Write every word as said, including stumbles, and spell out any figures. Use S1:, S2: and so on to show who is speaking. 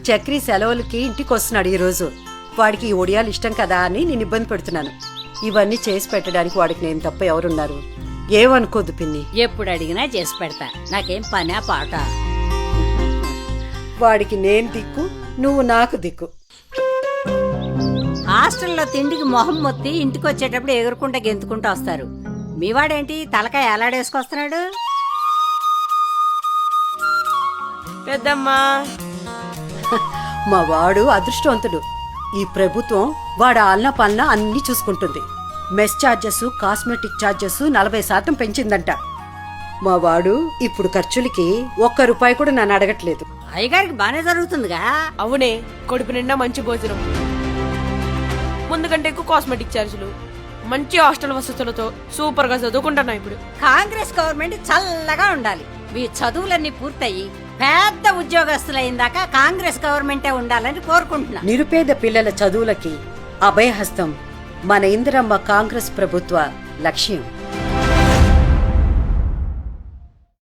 S1: చక్రి సెలవులకి ఇంటికి వస్తున్నాడు ఈ రోజు. వాడికి ఈ ఒడియాలు ఇష్టం కదా అని నేను ఇబ్బంది పెడుతున్నాను. ఇవన్నీ చేసి పెట్టడానికి వాడికి నేను తప్ప ఎవరున్నారు? ఏమనుకోద్దు పిన్ని.
S2: ఎప్పుడు అడిగినా చేసి పెడతా, నాకేం పనా పాట.
S1: వాడికి నేను దిక్కు, నువ్వు నాకు దిక్కు.
S2: హాస్టల్లో తిండికి మొహం మొత్తి ఇంటికి వచ్చేటప్పుడు ఎగురుకుంటా గెంతుకుంటూ వస్తారు. మీవాడేంటి తలకాయ ఎలాడేసుకొస్తున్నాడు?
S3: పెద్దమ్మా,
S1: మా వాడు అదృష్టవంతుడు. ఈ ప్రభుత్వం వాడు ఆలన పాలన అన్ని చూసుకుంటుంది. మెస్ ఛార్జెస్, కాస్మెటిక్ ఛార్జెస్ నలభై శాతం పెంచిందంట. మా వాడు ఇప్పుడు ఖర్చులకి ఒక్క రూపాయి కూడా నన్ను అడగట్లేదు.
S2: అయ్యగారికి బానే జరుగుతుందిగా.
S3: అవునే, కడుపు నిండా మంచి భోజనం, ముందు కంటే ఎక్కువ కాస్మెటిక్ ఛార్జీలు, మంచి హాస్టల్ వసతులతో సూపర్ గా చదువుకుంటున్నా ఇప్పుడు.
S2: కాంగ్రెస్ గవర్నమెంట్ చల్లగా ఉండాలి. మీ చదువులన్నీ పూర్తయి పెద్ద ఉద్యోగస్తులైందాకా కాంగ్రెస్ గవర్నమెంటే ఉండాలని కోరుకుంటున్నా.
S1: నిరుపేద పిల్లల చదువులకి అభయహస్తం మన ఇందిరమ్మ కాంగ్రెస్ ప్రభుత్వ లక్ష్యం.